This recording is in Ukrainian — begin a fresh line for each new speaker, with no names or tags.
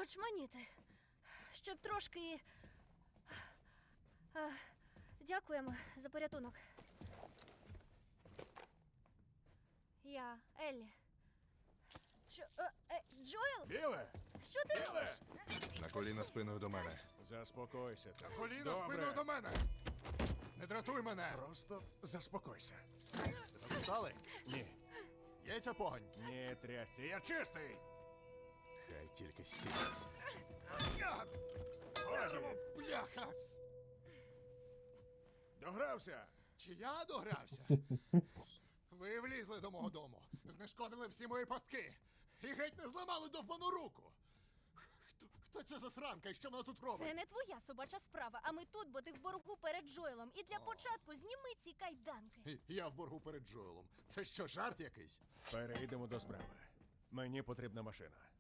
очманіти. Щоб трошки... Дякуємо за порятунок. Я Еллі. Що? Джоел?
Біле!
Що ти
Біле!
робиш?
На коліна спиною до мене.
Заспокойся. ти.
Коліна
Добре.
спиною до мене! Не дратуй мене!
Просто заспокойся.
Написали?
Ні.
Яйця погонь!
Ні, трясся, я чистий!
Хай тільки сідеться.
Годі!
Бляха!
Догрався!
Чи я догрався? Ви влізли до мого дому, знешкодили всі мої пастки і геть не зламали довбану руку. Хто це за сранка і що вона тут робить?
Це не твоя собача справа, а ми тут, бо ти в боргу перед Джоелом. І для початку зніми ці кайданки.
Я в боргу перед Джоелом. Це що, жарт якийсь?
Перейдемо до справи. Мені потрібна машина.